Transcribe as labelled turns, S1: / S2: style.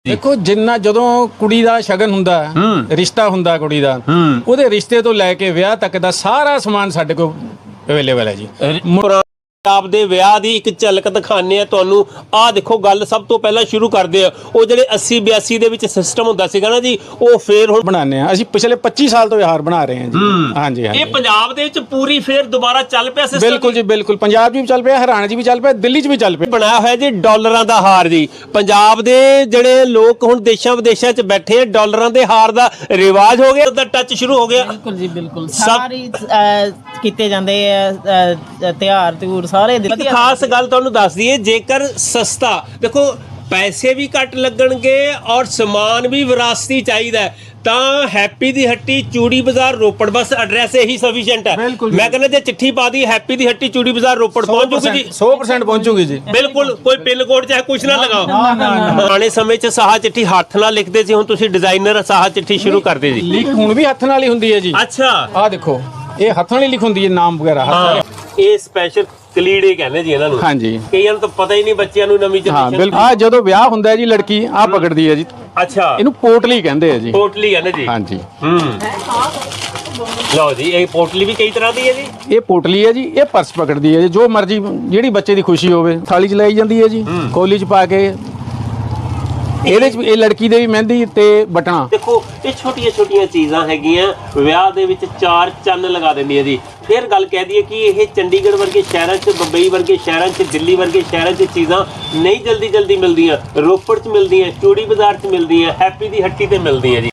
S1: ਦੇਖੋ ਜਿੰਨਾ ਜਦੋਂ ਕੁੜੀ ਦਾ ਸ਼ਗਨ ਹੁੰਦਾ ਰਿਸ਼ਤਾ ਹੁੰਦਾ ਕੁੜੀ ਦਾ ਉਹਦੇ ਰਿਸ਼ਤੇ ਤੋਂ ਲੈ ਕੇ ਵਿਆਹ ਤੱਕ ਦਾ ਸਾਰਾ ਸਮਾਨ ਸਾਡੇ ਕੋਲ ਅਵੇਲੇਬਲ ਹੈ ਜੀ।
S2: ਪੰਜਾਬ ਦੇ ਵਿਆਹ ਦੀ ਇੱਕ ਝਲਕ ਦਿਖਾਣੇ ਆ ਤੁਹਾਨੂੰ। ਆਹ ਦੇਖੋ ਗੱਲ ਸਭ ਤੋਂ ਪਹਿਲਾਂ ਸ਼ੁਰੂ ਕਰਦੇ ਆ ਉਹ ਜਿਹੜੇ 80 82 ਦੇ ਵਿੱਚ ਸਿਸਟਮ ਹੁੰਦਾ ਸੀਗਾ ਨਾ ਜੀ, ਉਹ ਫੇਰ ਹੁਣ
S1: ਬਣਾਉਂਦੇ ਆ ਅਸੀਂ। ਪਿਛਲੇ 25 ਸਾਲ ਤੋਂ ਹਾਰ ਬਣਾ ਰਹੇ ਹਾਂ ਜੀ। ਹਾਂਜੀ ਹਾਂਜੀ,
S2: ਇਹ ਪੰਜਾਬ ਦੇ ਵਿੱਚ ਪੂਰੀ ਫੇਰ ਦੁਬਾਰਾ ਚੱਲ ਪਿਆ ਸਿਸਟਮ।
S1: ਬਿਲਕੁਲ ਜੀ ਬਿਲਕੁਲ। ਪੰਜਾਬ 'ਚ ਵੀ ਚੱਲ ਪਿਆ, ਹਰਿਆਣਾ 'ਚ ਵੀ ਚੱਲ ਪਿਆ, ਦਿੱਲੀ 'ਚ ਵੀ ਚੱਲ ਪਿਆ।
S2: ਬਣਾਇਆ ਹੋਇਆ ਜੀ ਡਾਲਰਾਂ ਦਾ ਹਾਰ ਜੀ। ਪੰਜਾਬ ਦੇ ਜਿਹੜੇ ਲੋਕ ਹੁਣ ਦੇਸ਼ਾਂ ਵਿਦੇਸ਼ਾਂ 'ਚ ਬੈਠੇ ਆ, ਡਾਲਰਾਂ ਦੇ ਹਾਰ ਦਾ ਰਿਵਾਜ ਹੋ ਗਿਆ, ਉਹਦਾ ਟੱਚ ਸ਼ੁਰੂ ਹੋ ਗਿਆ।
S3: ਬਿਲਕੁਲ ਜੀ ਬਿਲकुल ਸਾਰੀ ਕੀਤੇ ਜਾਂਦੇ ਆ ਤਿਉਹਾਰ ਤਿਉਰ ਸਾਰੇ
S2: ਇੱਕ ਖਾਸ ਗੱਲ ਤੁਹਾਨੂੰ ਦੱਸ ਦਈਏ, ਜੇਕਰ ਸਸਤਾ ਦੇਖੋ ਪੈਸੇ ਵੀ ਘੱਟ ਲੱਗਣਗੇ ਔਰ ਸਮਾਨ ਵੀ ਵਿਰਾਸਤੀ ਚਾਹੀਦਾ ਤਾਂ ਹੈਪੀ ਦੀ ਹੱਟੀ ਚੂੜੀ ਬਾਜ਼ਾਰ ਰੋਪੜ, ਬਸ ਐਡਰੈਸ ਇਹੀ ਸਫੀਸ਼ੀਐਂਟ ਹੈ। ਮੈਂ ਕਹਿੰਦਾ ਜੇ ਚਿੱਠੀ ਪਾ ਦੀ ਹੈਪੀ ਦੀ ਹੱਟੀ ਚੂੜੀ ਬਾਜ਼ਾਰ ਰੋਪੜ ਪਹੁੰਚ ਜੂਗੀ ਜੀ,
S1: 100% ਪਹੁੰਚੂਗੀ ਜੀ।
S2: ਬਿਲਕੁਲ। ਕੋਈ ਪਿੰਨ ਕੋਡ ਚਾਹੇ ਕੁਝ ਨਾ ਲਗਾਓ। ਪੁਰਾਣੇ ਸਮੇਂ 'ਚ ਸਾਹਾ ਚਿੱਠੀ ਹੱਥ ਨਾਲ ਲਿਖਦੇ ਸੀ, ਹੁਣ ਤੁਸੀਂ ਡਿਜ਼ਾਈਨਰ ਸਾਹਾ ਚਿੱਠੀ ਸ਼ੁਰੂ ਕਰਦੇ ਜੀ।
S1: ਲਿਖ ਹੁਣ ਵੀ ਹੱਥ ਨਾਲ ਹੀ ਹੁੰਦੀ ਹੈ ਜੀ।
S2: ਅੱਛਾ,
S1: ਆਹ ਦੇਖੋ ਇਹ ਹੱਥ ਨਾਲ ਹੀ ਲਿਖ ਹੁੰਦੀ ਹੈ, ਨਾਮ ਵਗੈਰਾ ਹੱਥ।
S2: ਇਹ ਸਪੈਸ਼ਲ ਕਲੀੜੇ ਕਹਿੰਦੇ ਜੀ ਇਹਨਾਂ ਨੂੰ।
S1: ਹਾਂਜੀ,
S2: ਕਈਆਂ ਨੂੰ ਤਾਂ ਪਤਾ ਹੀ ਨਹੀਂ, ਬੱਚਿਆਂ ਨੂੰ ਨਵੀਂ
S1: ਹਾਂ
S2: ਜਨਰੇਸ਼ਨ।
S1: ਬਿਲਕੁਲ। ਆ ਜਦੋਂ ਵਿਆਹ ਹੁੰਦਾ ਹੈ ਜੀ ਲੜਕੀ ਆਹ ਪਕੜਦੀ ਹੈ ਜੀ,
S2: ਅੱਛਾ,
S1: ਇਹਨੂੰ ਪੋਟਲੀ ਕਹਿੰਦੇ ਆ ਜੀ।
S2: ਪੋਟਲੀ ਕਹਿੰਦੇ ਜੀ।
S1: ਹਾਂਜੀ,
S2: ਲਓ ਜੀ, ਇਹ ਪੋਟਲੀ ਵੀ ਕਈ ਤਰ੍ਹਾਂ ਦੀ ਹੈ ਜੀ।
S1: ਇਹ ਪੋਟਲੀ ਹੈ ਜੀ, ਇਹ ਪਰਸ ਪਕੜਦੀ ਹੈ ਜੀ। ਜੋ ਮਰਜ਼ੀ ਜਿਹੜੀ ਬੱਚੇ ਦੀ ਖੁਸ਼ੀ ਹੋਵੇ ਥਾਲੀ 'ਚ ਲਾਈ ਜਾਂਦੀ ਹੈ ਜੀ, ਕੋਲੀ 'ਚ ਪਾ ਕੇ। ਇਹਦੇ 'ਚ ਇਹ ਲੜਕੀ ਦੇ ਵੀ ਮਹਿੰਦੀ ਤੇ ਬਟਨਾ।
S2: ਦੇਖੋ ਇਹ ਛੋਟੀਆਂ ਛੋਟੀਆਂ ਚੀਜ਼ਾਂ ਹੈਗੀਆਂ, ਵਿਆਹ ਦੇ ਵਿੱਚ ਚਾਰ ਚੰਨ ਲਗਾ ਦਿੰਦੀ ਹੈ ਜੀ। ਫਿਰ ਗੱਲ ਕਹਿ ਦਈਏ ਕਿ ਇਹ ਚੰਡੀਗੜ੍ਹ ਵਰਗੇ ਸ਼ਹਿਰਾਂ 'ਚ, ਬੰਬਈ ਵਰਗੇ ਸ਼ਹਿਰਾਂ 'ਚ, ਦਿੱਲੀ ਵਰਗੇ ਸ਼ਹਿਰਾਂ 'ਚ ਚੀਜ਼ਾਂ ਨਹੀਂ ਜਲਦੀ ਮਿਲਦੀਆਂ। ਰੋਪੜ 'ਚ ਮਿਲਦੀਆਂ, ਚੂੜੀ ਬਾਜ਼ਾਰ 'ਚ ਮਿਲਦੀਆਂ, ਹੈਪੀ ਦੀ ਹੱਟੀ ਤੇ ਮਿਲਦੀਆਂ ਜੀ।